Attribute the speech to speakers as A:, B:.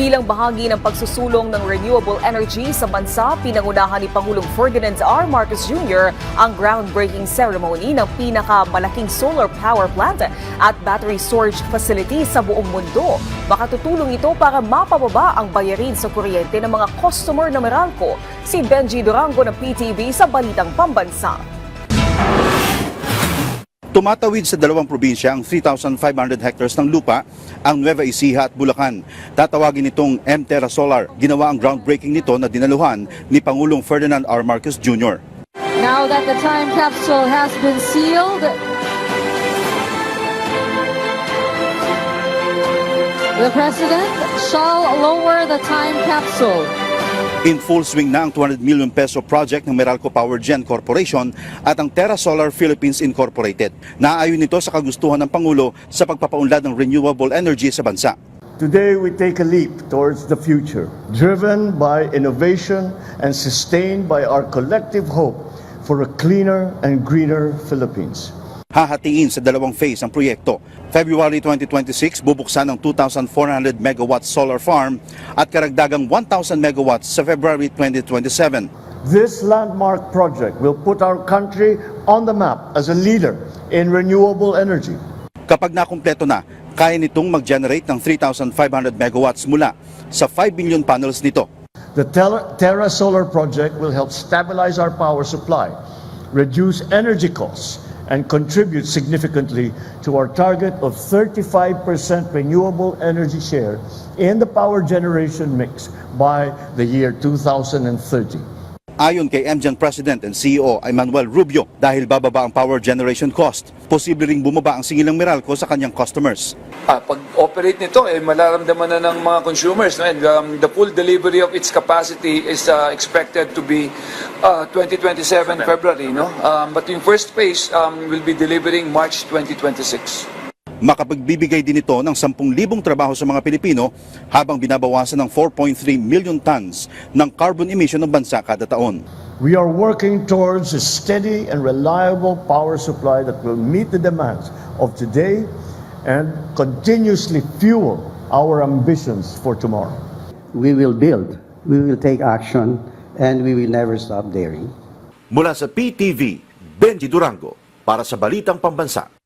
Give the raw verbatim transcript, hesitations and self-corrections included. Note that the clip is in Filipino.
A: Bilang bahagi ng pagsusulong ng renewable energy sa bansa, pinangunahan ni Pangulong Ferdinand R. Marcos Junior ang groundbreaking ceremony ng pinakamalaking solar power plant at battery storage facility sa buong mundo. Makatutulong ito para mapababa ang bayarin sa kuryente ng mga customer ng Meralco. Si Benji Durango ng P T V sa Balitang Pambansa.
B: Tumatawid sa dalawang probinsya ang three thousand five hundred hectares ng lupa, ang Nueva Ecija at Bulacan. Tatawagin itong M-Terra Solar. Ginawa ang groundbreaking nito na dinaluhan ni Pangulong Ferdinand R. Marcos Junior
C: Now that the time capsule has been sealed, the President shall lower the time capsule.
B: In full swing na ang two hundred million peso project ng Meralco Power Gen Corporation at ang Terra Solar Philippines Incorporated. Naayon nito sa kagustuhan ng Pangulo sa pagpapaunlad ng renewable energy sa bansa.
D: Today we take a leap towards the future, driven by innovation and sustained by our collective hope for a cleaner and greener Philippines.
B: Hahatiin sa dalawang phase ang proyekto. February twenty twenty-six, bubuksan ang two thousand four hundred megawatt solar farm at karagdagang one thousand megawatts sa February twenty twenty-seven.
D: This landmark project will put our country on the map as a leader in renewable energy.
B: Kapag nakumpleto na, kaya nitong mag-generate ng three thousand five hundred megawatts mula sa five billion panels nito.
D: The Terra Solar project will help stabilize our power supply, reduce energy costs, and contribute significantly to our target of thirty-five percent renewable energy share in the power generation mix by the year two thousand thirty.
B: Ayon kay M G E N President and C E O Emmanuel Rubio, dahil bababa ang power generation cost, posible ring bumaba ang singil ng Meralco sa kanyang customers.
E: Ah, pag-operate nito, eh, malaramdaman na ng mga consumers. No? And um, the full delivery of its capacity is uh, expected to be uh, twenty twenty-seven February. No? Um, but in first phase, um, will be delivering March twenty twenty-six.
B: Makapagbibigay din ito ng ten thousand trabaho sa mga Pilipino habang binabawasan ng four point three million tons ng carbon emission ng bansa kada taon.
D: We are working towards a steady and reliable power supply that will meet the demands of today and continuously fuel our ambitions for tomorrow.
F: We will build, we will take action, and we will never stop daring.
B: Mula sa P T V, Benji Durango para sa Balitang Pambansa.